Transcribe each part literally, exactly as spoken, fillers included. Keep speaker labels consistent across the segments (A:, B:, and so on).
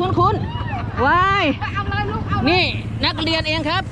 A: คุ้นคุ้นวายนี่นักเรียนเองครับ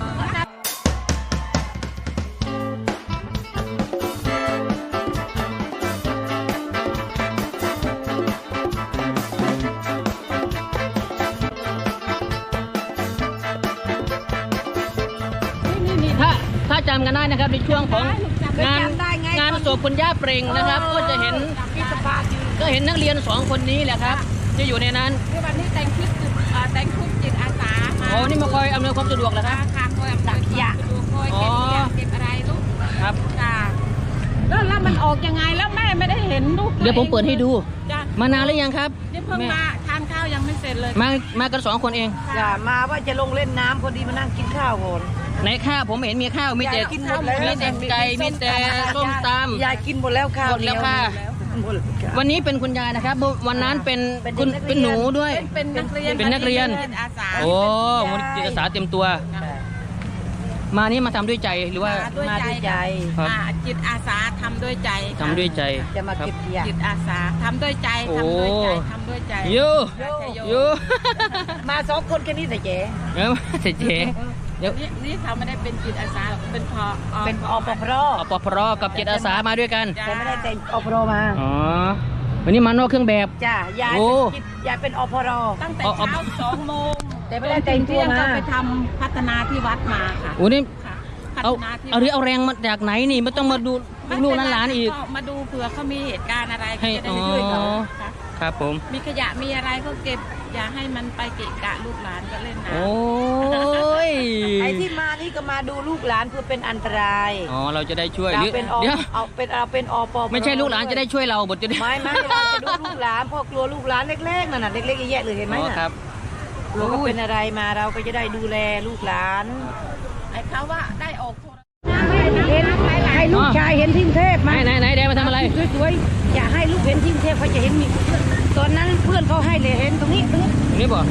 A: ถ้าถ้าจำกันได้นะครับในช่วงของงานงานศพคุณย่าเปร่งนะครับก็จะเห็นก็เห็นนักเรียนสองคนนี้แหละครับจะอยู่ในนั้น
B: วันนี้แต่งชุดแต่งชุดจิตอาสา
A: อ๋อนี่มาคอยอำนวยความสะดวกเหรอครับ
B: ค่ะคอยอำนวยความสะดวกคอยเก็บขยะเก็บอะไรลูก
A: ครับ
B: ค่ะแล้วแล้วมันออกยังไงแล้วแม่ไม่ได้เห็นลูก
A: เดี๋ยวผมเปิดให้ดูมานานหรือยังครับ
B: เพิ่งมาทานข้าวยังไม่เสร็จเลย
A: มามากันสองคนเอง
C: อย่ามาว่าจะลงเล่นน้ำพอดีมานั่งกินข้าวก่อน
A: ในข้าวผมเห็นมีข้าวมีแต่มีแต่ไก่มีแต่ส้มตำ
C: ยายกินหมดแล้วข้าว
A: หมดแล้วค่ะวันนี้เป็นคุณยายนะครับวันนั้นเป็นคุณเป็นหนูด้วย
B: เป็นนักเรียน
A: เป็นนักเรียนโอ้มันจิตอาสาเต็มตัวมานี่มาทำด้วยใจหรือว่า
C: มาด้วยใจ
B: จิตอาสาทำด้วยใจ
A: ทำด้วยใจ
C: จะมาเก็บขยะ
B: จิตอาสาทำด้วยใจทำด้วยใจทำด้วยใจ
A: ยูยู
C: มาสองคนแค่นี้แต่เจ๊
A: เออแต่เจ๊
B: เดี๋ยวนี่เขาไม่ได้เป็นจิตอาสาเป็นพอ
C: เป็นอปพร
A: อปพรกับจิตอาสามาด้วยกัน
C: แต่ไม่ได้แต่งอปพรมา
A: อ๋อวันนี้มานอกเครื่องแบบ
C: จ้ายายยายเป็นอปพร
B: ตั้งแต่เช้าสองโมง
C: แต่ไม่ได้แต่งตัวมา
B: ไปทำพัฒนาที่วัดมาค่ะ
A: โอ้นี่เอาเอาเรื่องเอาแรงมาจากไหนนี่ไม่ต้องมาดูลูกหลานอีก
B: มาดูเผื่อเขามีเหตุการณ์อะไรให้จะได้ช่วยเขา
A: ครับผม
B: มีขยะมีอะไรเขาเก็บอย่าให้มันไปเกะกะลูกหลานก็เล่นน้ำ
A: โอ้ย
C: ไอ้ที่มานี่ก็มาดูลูกหลานเพื่อเป็นอันตราย
A: อ๋อเราจะได้ช่วย
C: เดี๋ยวเอาเป็นเอาเป็นอป
A: ไม่ใช่ลูกหลานจะได้ช่วยเราบทจะได้
C: ไม่ไม่เราจะดูลูกหลานพ่อกลัวลูกหลานเล็กๆนั่นน่ะเล็กๆแย่ๆเลยเห็นไหมน่ะ
A: ครับ
C: กลัวเขาเป็นอะไรมาเราก็จะได้ดูแลลูกหลาน
B: ไอ้เขาว่าได้ออก
C: เห็นให้ลูกชายเห็นที่เทพไหม
A: ไหนไหนเดี๋ยวมาทำอะไร
C: สวยๆอย่าให้ลูกเห็นที่เทพเขาจะเห็นมีตอนนั้นเพื่อนเขาให้เลยเห็นตรงนี้ตรงนี้
A: ตรงนี้บ่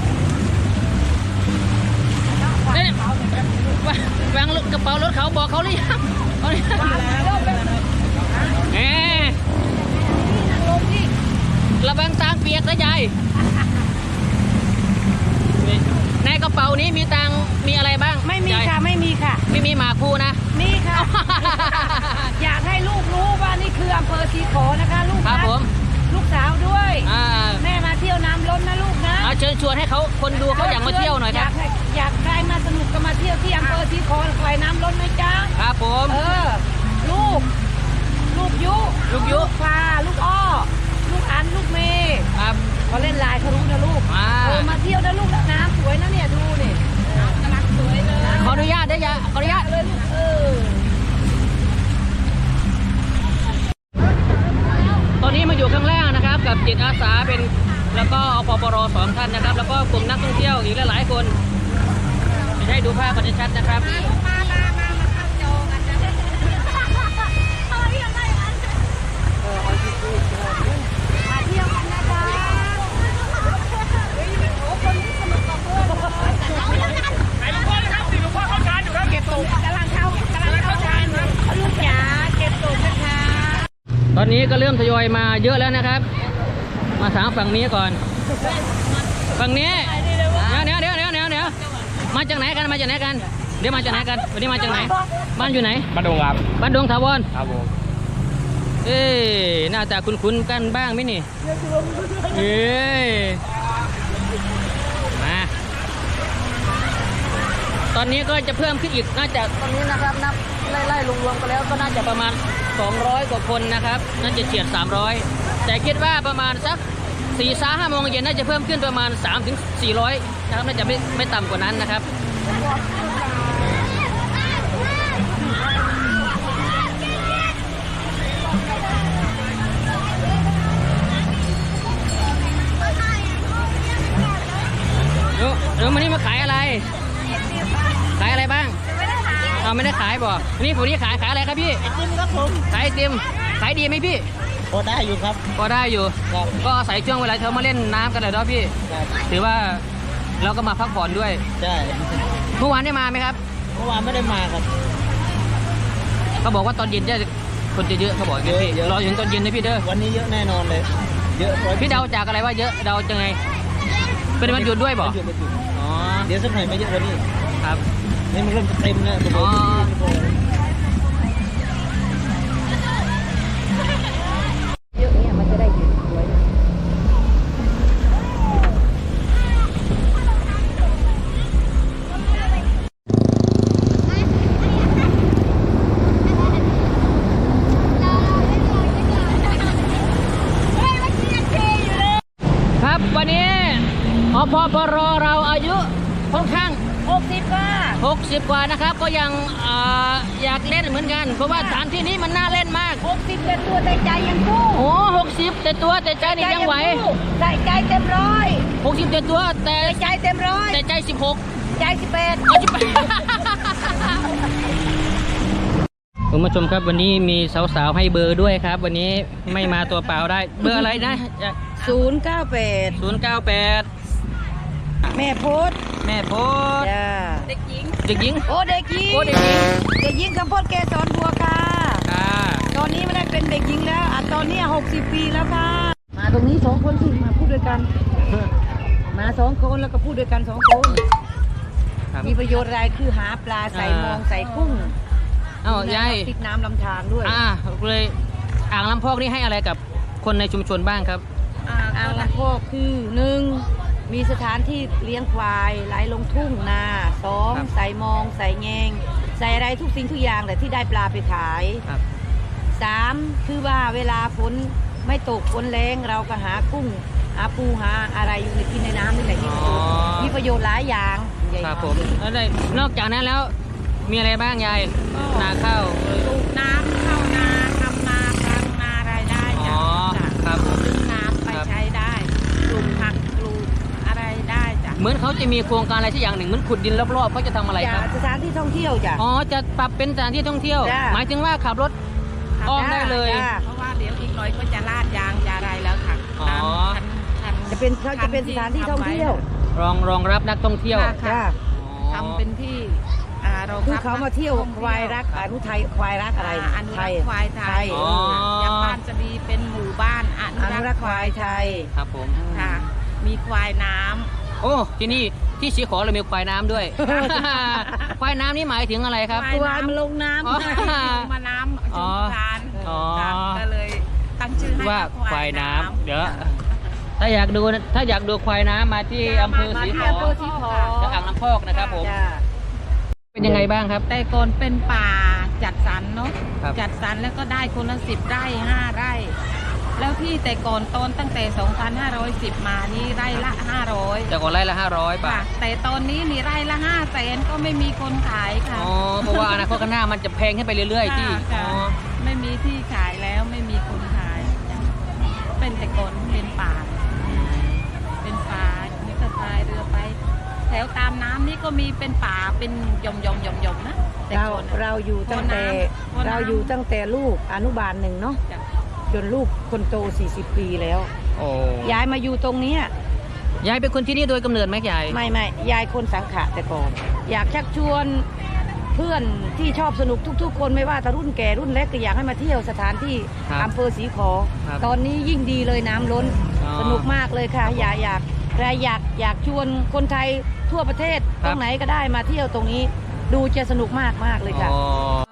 A: วางกระเป๋ารถเขาบอกเขาหรือยังเอ๊ะระวังตังเปียกนะยายในกระเป๋านี้มีตังมีอะไรบ้าง
C: ไม่มีค่ะไม่มีค่ะ
A: ไม่มีหมาคูนะ
C: มีค่ะอยากให้ลูกรู้ว่านี่คืออำเภอศรีขอนะคะลูก
A: ครับผม
C: ลูกสาวด้วยแม่มาเที่ยวน้ำล้นนะลูกนะ
A: เชิญชวนให้เขาคนดูเขาอยากมาเที่ยวหน่อยครับ
C: อยากใครมาสนุกก็มาเที่ยวที่อำเภอศรีขอคอยน้ำล้นไหมจ๊ะ
A: ครับผม
C: เออลูกลูกยุ
A: ลูกยุ
C: พาลูกอ้อลูกอันลูกเมย์
A: ครับ
C: เขาเล่นลายเขารู้นะลูกเออมาเที่ยวนะลูกน้ำสวยนะเนี่ยดูนี่กำลังสวยเลย
A: ขออนุญาตได้ยังขออนุญาต
C: เลยเออ
A: ตอนนี้มาอยู่ข้างล่างนะครับกับจิตอาสาเป็นแล้วก็อปปรสองท่านนะครับแล้วก็กลุ่มนักท่องเที่ยวอีกหลายๆคนจะได้ดูภาพกันชัดๆนะครับตอนนี้ก็เริ่มทยอยมาเยอะแล้วนะครับมาถามฝั่งนี้ก่อนฝั่งนี้เดี๋ยวเดี๋ยวเดี๋ยวเดี๋ยวเดี๋ยวมาจากไหนกันมาจากไหนกันเดี๋ยวมาจากไหนกันวันนี้มาจากไหนบ้านอยู่ไหน
D: บ้านดงครับ
A: บ้านดงถาวร
D: ครับผม
A: เอ๊หน้าตาคุ้นๆกันบ้างไหมนี่เอ๊มาตอนนี้ก็จะเพิ่มขึ้นอีกน่าจะตอนนี้นะครับนับไล่ๆรวมๆกันแล้วก็น่าจะประมาณสองร้อยกว่าคนนะครับน่าจะเฉียดสามร้อยแต่คิดว่าประมาณสักสี่สาห้าโมงเย็นน่าจะเพิ่มขึ้นประมาณสามถึงสี่ร้อยนะครับน่าจะไม่ไม่ต่ำกว่านั้นนะครับเดี๋ยวเดี๋ยววันนี้มาขายอะไรขายอะไรบ้างเอาไม่ได้ขายบ่นี่ผมนี่ขายขายอะไรครับพี่
C: ไอติมครับผม
A: ขายไอติมขายดีไหมพี่
D: พอได้อยู่ครับ
A: พอได้อยู่ก็อาศัยช่วงเวลาเธอมาเล่นน้ำกันเลยเนาะพี่ถือว่าเราก็มาพักผ่อนด้วย
D: ใช่
A: เมื่อวานได้มาไหมครับ
D: เมื่อวานไม่ได้มาครับ
A: เขาบอกว่าตอนเย็นจะคนจะเยอะเขาบอกเยอะพี่รอถึงตอนเย็นนะพี่เด้อ
D: วันนี้เยอะแน่นอนเลยเยอะ
A: พี่เดาจากอะไรว่าเยอะเดาจังไงเป็นวันหยุดด้วยบ่
D: วันหยุดวันหยุด
A: อ๋อ
D: เดี๋ยวสักหน่อยไม่เยอะกว่านี้
A: ครับ
D: นี่มันเริ่มจะเต็มแล้ว
A: อ๋อ
C: เยอะเนี่ยมันจะได้อยู่สวย
A: ครับวันนี้อพปรเราอายุค่อนข้าง
C: หกสิบค่ะ
A: หกสิบกว่านะครับ ก็ยังเอ่ออยากเล่นเหมือนกัน เพราะว่าสถานที่นี้มันน่าเล่นมาก
C: หกสิบเป็นตัวแต่ใจยังสู้
A: โอ้หกสิบแต่ตัวแต่ใจนี่ยังไหว
C: ใจใจเต็มร้อย
A: หกสิบแต่ตัวแต่
C: ใจเต็มร้อย
A: แต่ใจสิบหก
C: ใจสิบแปด
A: คุณผู้ชมครับวันนี้มีสาวๆให้เบอร์ด้วยครับ วันนี้ไม่มาตัวเปล่าได้เบอร์อะไรนะ
C: ศูนย์เก้าแปด
A: ศูนย์เก้าแปด
C: แม่โพส
A: แม่โพส
C: จ้า
A: เด็กหญิงเด็กหญิง
C: โอ้เด็กหญิง
A: โอ้เด็กหญิง
C: เด็กหญิงคำพดเกสรบัวค่ะ
A: ค่ะ
C: ตอนนี้ไม่ได้เป็นเด็กหญิงแล้วอ่ะตอนนี้หกสิบปีแล้วค่ะ มาตรงนี้สองคนสิมาพูดด้วยกัน มาสองคนแล้วก็พูดด้วยกันสองคน
A: ครับ
C: มีประโยชน์อะไรคือหาปลาใส่มองใส่กุ้ง
A: เอ้ายาย
C: ติดน้ำลำธารด้วย
A: อ่าเลยอ่างลำพอกนี่ให้อะไรกับคนในชุมชนบ้างครับ
C: อ่างลำพอกคือหนึ่งมีสถานที่เลี้ยงควายไหลลงทุ่งนาสอง
A: ครับ
C: ใส่มองใส่แงงใส่อะไรทุกสิ่งทุกอย่างเลยที่ได้ปลาไปขาย
A: ครับ
C: สามคือว่าเวลาฝนไม่ตกฝนแรงเราก็หากุ้งหาปูหาอะไรอยู่ในกินในน้ำนี่แหละที่ประโยชน์มีประโยชน์หลายอย่างใหญ่
A: ครับ
C: มาก
A: ผมแล้วได้นอกจากนั้นแล้วมีอะไรบ้างยายนาข้าว
B: ปลูกน้ำเข้านาทำนาทำนารายได้
A: อ๋
B: จ้ะ
A: อ
B: จ้ะ
A: ครับผม
B: ดึงน้ำไป
A: ครับ
B: ใช้ได้ปลูกผักปลูกอะไรได้จ้ะ
A: เหมือนเขาจะมีโครงการอะไรที่อย่างหนึ่งเหมือนขุดดินรอบๆเขาจะทำอะไรครับ
C: สถานที่ท่องเที่ยวจ้ะ
A: อ๋อจะปรับเป็นสถานที่ท่องเที่ยว
C: จ้ะ
A: หมายถึงว่าขับรถอ้อมได้เลย
C: จ้ะ
B: เพราะว่าเดี๋ยวอีกหน่อยก็จะลาดยางจะอะไรแล้วค่ะ
A: อ๋อ
B: ตามคันคัน
C: จะเป็นเขาจะเป็นสถานที่ท่องเที่ยว
A: รองรองรับนักท่องเที่ยว
B: ค่ะ
C: จ้ะ
B: ทำเป็นที่อ่ารองรับ
C: คือเขามาเที่ยวควายรักอนุไทยควายรักอะไร
B: อ่าอนุ
C: ไท
B: รัก
C: ย
B: ษ์ควายไทย
A: อ๋อ
B: อย่างบ้านจะดีเป็นหมู่บ้านอ
C: อ
B: นุ
C: นุ
B: รั
C: รั
B: ก
C: ก
B: ษ์
C: ษ์ควายไทย
A: ครับผม
B: ค่ะ มีควายน้ำ
A: โอ้ที่นี่ที่สีขอเรามีควายน้ำด้วย ควายน้ำนี่หมายถึงอะไรครับ
C: ควายมันลงน้ำ
A: อ๋อ
B: ลงมาน้ำชมประทาน
A: อ๋อ
B: จ้ะก็เลยตั้งชื่อให้
A: ว่า
B: ว่า
A: ควายน้ำเดี๋ยวถ้าอยากดูนะถ้าอยากดูควายน้ำมาที่อำเภอศรีขอ
C: อำเภอศรีขอ
A: จะอ่างน้ำพอกนะครับผม
C: จ้ะ
A: เป็นยังไงบ้างครับ
B: แต่ก่อนเป็นป่าจัดสรรเนาะ
A: ครับ
B: จัดสรรแล้วก็ได้คนละสิบไร่ห้าไร่ แล้วที่แต่ก่อนต้นตั้งแต่ สองพันห้าร้อยสิบ มานี่ไร่ละห้าร้อย
A: จากก่อนไร่ละห้าร้อยบา
B: ค่ะ
A: ท
B: แต่ตอนนี้นี่ไร่ละห้าแสนก็ไม่มีคนขายค่ะ
A: อ๋อเพราะว่าอนาคตข้างหน้ามันจะแพงขึ้นไปเรื่อยๆที่
B: ค่ะ
A: อ๋อ
B: ไม่มีที่ขายแล้วไม่มีคนขายจ้ะเป็นแต่ก่อนเป็นป่า เป็นป่านี่ก็พายเรือไป แถวตามน้ำนี่ก็มีเป็นป่าเป็นหย่อมหย่อมหย่อมหย่อมนะแต่
C: เรา
B: ก่อน
C: เราอยู่ตั้งแต่
B: พอน้ำ
C: เราอยู่ตั้งแต่ลูกอนุบาลหนึ่งเนาะ
B: จ้ะ
C: จนลูกคนโตสี่สิบปีแล้ว
A: โอ้
C: ยายมาอยู่ตรงเนี้ย
A: ยายเป็นคนที่นี่โดยกำเนิดไหมยาย
C: ไม่ไม่ยายคนสังขะแต่ก่อน อยากชักชวนเพื่อนที่ชอบสนุกทุก ๆ คนไม่ว่าแต่รุ่นแก่รุ่นเล็กก็อยากให้มาเที่ยวสถานที่
A: ครับ
C: อำเภอศรีขอ
A: ครับ
C: ตอนนี้ยิ่งดีเลยน้ำล้น
A: อ๋อ
C: สนุกมากเลยค่ะ อยากอยากใครอยากอยากชวนคนไทยทั่วประเทศ
A: ค
C: ต
A: รับ
C: รงไหนก็ได้มาเที่ยวตรงนี้ ดูจะสนุกมากมากเลยค่ะ
A: อ๋อ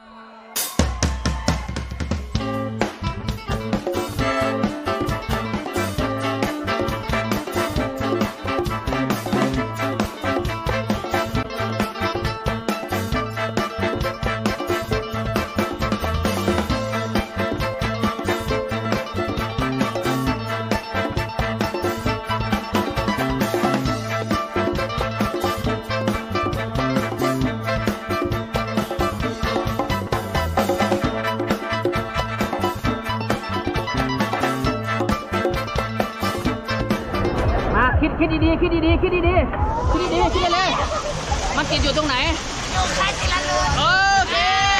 A: มาคิดคิดดีๆคิดดีๆคิดดีๆคิดดีๆคิดเลยๆมันติดอยู่ตรงไหนอยู่ใต้ทีละรูโอเค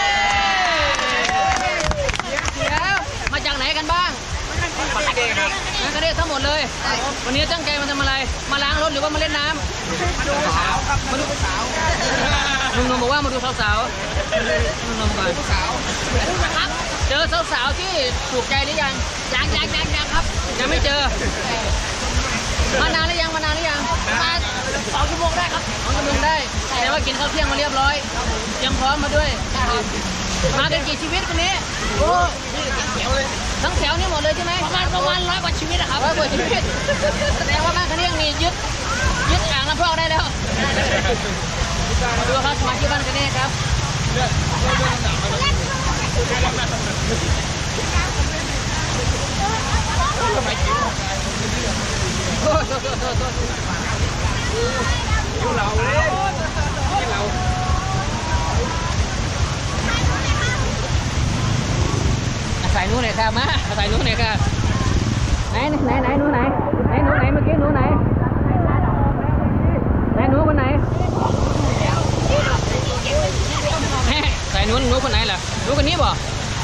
A: เดี๋ยวมาจากไหนกันบ้างมาจากกระเดทั้งหมดเลย วันนี้ตั้งใจมาทำอะไร มาล้างรถหรือว่ามาเล่นน้ำมาดูสาวครับมาดูสาวลุงนงบอกว่ามาดูสาวๆลุงนงก่อนสาวเจอสาวๆที่ถูกใจหรือยังยังยังยังยังครับยังไม่เจอมานานหรือยังมานานหรือยังมาสองชั่วโมงได้ครับสองชั่วโมงได้แต่ว่ากินข้าวเที่ยงมาเรียบร้อยยังพร้อมมาด้วยมากันกี่ชีวิตคนนี้โอ้ทั้งแถวนี่หมดเลยใช่ไหมประมาณประมาณร้อยกว่าชีวิตอะครับร้อยกว่าชีวิตแสดงว่าบ้านคันนี้ยังมียึดยึดอ่างน้ำพอกได้แล้วมาดูครับสมาชิกบ้านคันนี้ครับโอ้โหโทษโทษโทษโทษเราเลยเราใส่หนูหน่อยค่ะมาใส่หนูหน่อยค่ะไหนไหนไหนหนูไหนไหนหนูไหนเมื่อกี้หนูไหนไหนหนูคนไหนใส่หนูหนูคนไหนล่ะหนูคนนี้บ่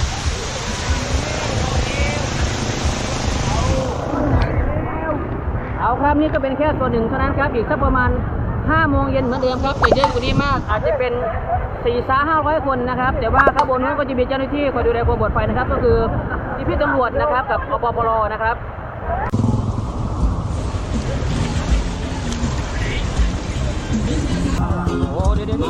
A: เอาครับนี่ก็เป็นแค่ส่วนหนึ่งเท่านั้นครับอีกสักประมาณห้าโมงเย็นเหมือนเดิมครับแต่เยอะกว่านี้มากอาจจะเป็นสี่สาห้าร้อยคนนะครับแต่ว่าข้างบนนั้นก็จะมีเจ้าหน้าที่คอยดูแลความปลอดภัยนะครับก็คือพี่ตำรวจนะครับกับอปปรนะครับโอ้เดี๋ยวเดี๋ยว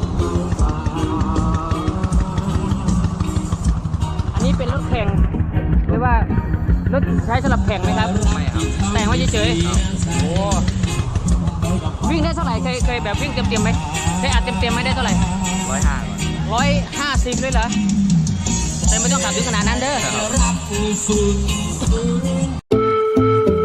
A: อันนี้เป็นรถแข่งหรือว่ารถใช้สำหรับแข่งไหมครับไม่ครับแต่งไว้เฉยๆโอ้วิ่งได้เท่าไหร่เคยเคยแบบวิ่งเต็มๆไหมเคยอัดเต็มๆไหมได้เท่าไหร่ร้อยห้าร้อยห้าสิบเลยเหรอแต่ไม่ต้องขับถึงขนาดนั้นเด้อ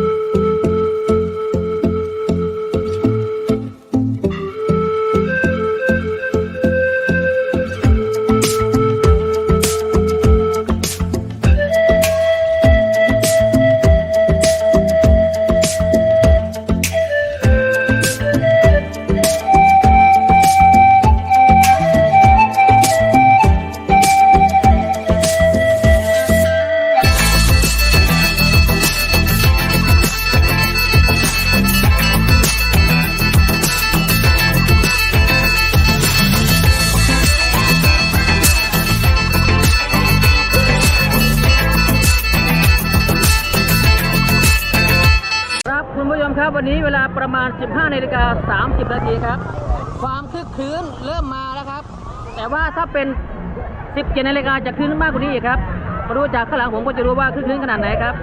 A: ครับวันนี้เวลาประมาณ สิบห้านาฬิกาสามสิบนาทีครับความคึกคืนเริ่มมาแล้วครับแต่ว่าถ้าเป็น สิบเจ็ดนาฬิกาจะคึกมากกว่านี้อีกครับมาดูจากข้างหลังผมก็จะรู้ว่าคึกคืนขนาดไหนครับ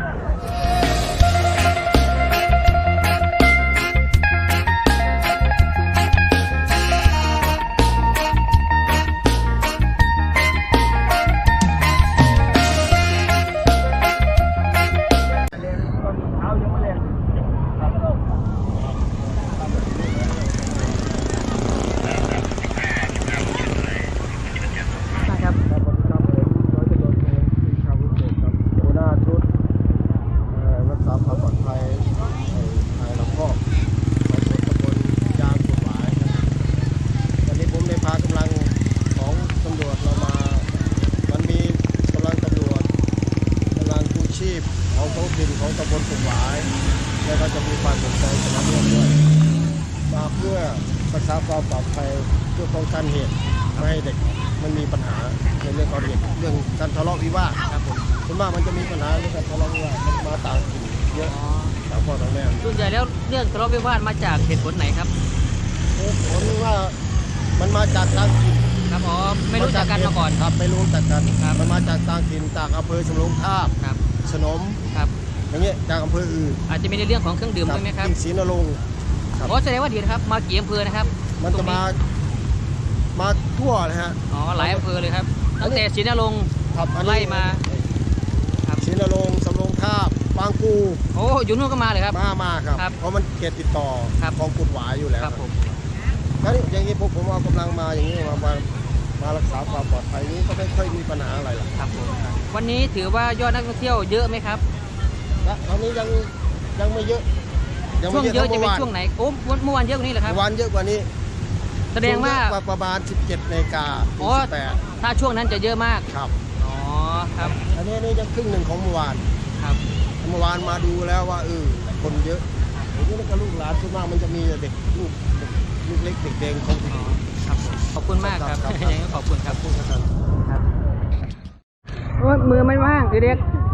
E: ของท้องถิ่นของตำบลกุ่มหวายและก็จะมีความสนใจสนับสนุนด้วยมาเพื่อรักษาความปลอดภัยเพื่อป้องกันเหตุไม่ให้เด็กมันมีปัญหาในเรื่องการเหตุเรื่องการทะเลาะวิวาทครับผมส่วนมากมันจะมีปัญหาเรื่องการทะเลาะวิวาทมันมาต่างถิ่นเยอะต่างพ่อต่างแม่
A: ส่วนใหญ่แล้วเรื่องทะเลาะวิวาทมาจากเหตุผลไหนครับ
E: เหตุผลว่ามันมาจากต่างถิ่น
A: ครับอ๋อไม่รู้จักกันมาก่อน
E: ครับไม่รู้จักกันมันมาจากต่างถิ่นจากอำเภอสำโรงทาบสนม
A: ครับ
E: อย่างเงี้ยจากอำเภออื่น
A: อาจจะมีในเรื่องของเครื่องดื่มด้วยไหมครับ
E: ศรีนรงค์
A: โอ้แสดงว่าดีนะครับมากี่อำเภอนะครับ
E: มันจะมามาทั่วเลยฮะ
A: อ๋อหลายอำเภอเลยครับตั้งแต่ศรีนรงค์ไล่มา
E: ศรีนรงค์สำโรงทาบบางปู
A: โอ้อยู่นู่นก็มาเลยครับ
E: มามาครับเพราะมันเขตติดต่อของกุดหวายอยู่แล้ว
A: ครับผม
E: แล้วอย่างนี้ผมผมเอากำลังมาอย่างนี้มามามารักษาความปลอดภัยนี้ก็ไม่ค่อยมีปัญหาอะไรหรอก
A: ครับผมวันนี้ถือว่ายอดนักท่องเที่ยวเยอะไหมครับ
E: ตอนนี้ยังยังไม่เยอะ
A: ช่วงเยอะจะเป็นช่วงไหนโอ้เมื่อวานเยอะกว่านี้เหรอครับ
E: วันเยอะกว่านี้
A: แสดงว่า
E: ประมาณสิบเจ็ดนาฬิกา
A: อ๋อถ้าช่วงนั้นจะเยอะมาก
E: ครับ
A: อ๋อครับ
E: อันนี้นี่ยังครึ่งหนึ่งของเมื่อวาน
A: ครับ
E: เมื่อวานมาดูแล้วว่าเออคนเยอะอย่างนี้ก็ลูกหลานส่วนมากมันจะมีเด็กลูกลูกเล็กเด็กแดงของ
A: ครับขอบคุณมากครับยังไงขอบคุณครับ
E: พูดกัน
A: ครับมือไม่ว่างเด็ก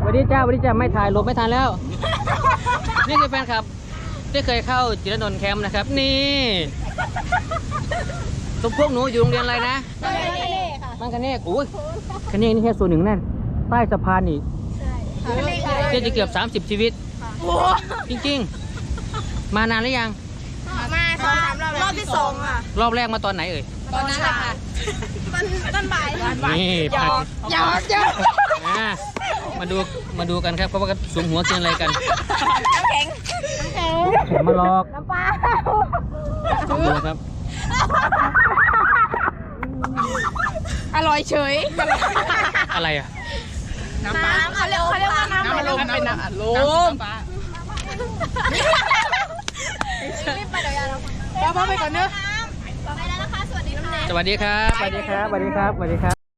A: สวัสดีจ้าสวัสดีจ้าไม่ถ่ายลบไม่ทันแล้ว นี่คือแฟนคลับที่เคยเข้าจิรนนท์แคมป์นะครับ นี่ทุกพวกหนูอยู่โรงเรียนอะไรนะบ้านคะเนกอุ้ยคะเนกนี่แค่ส่วนหนึ่งนั่นใต้สะพานนี่เกือบจะเกือบสามสิบชีวิตจริงๆมานานหรือยัง
F: มาสองสามรอบรอบที่สองอ่ะ
A: รอบแรกมาตอนไหนเอ่ย
F: ตอนนั้นแหละค่ะมันต้นบ่าย
A: นี่ผัด
F: ยอดยอด
A: อ่ามาดูมาดูกันครับเพราะว่ากันสูงหัวกินอะไรกัน
F: น้ำแข็งน้ำแข็ง
A: ผมมาลอก
F: น้ำปลา
A: ดูครับ
F: อร่อยเฉย
A: อะไรอ่ะ
F: น้ำเขาเรียกเขาเรียกว่าน้ำอะไรมันเป็นน้ำลมรีบไปเดี๋ยวยาเราป้าไปก่อนเนอะไปแล้วนะคะสวัสดีน้ำแดง
A: สวัสดีครับสวัสดีครับสวัสดีครับสวัสดีครับ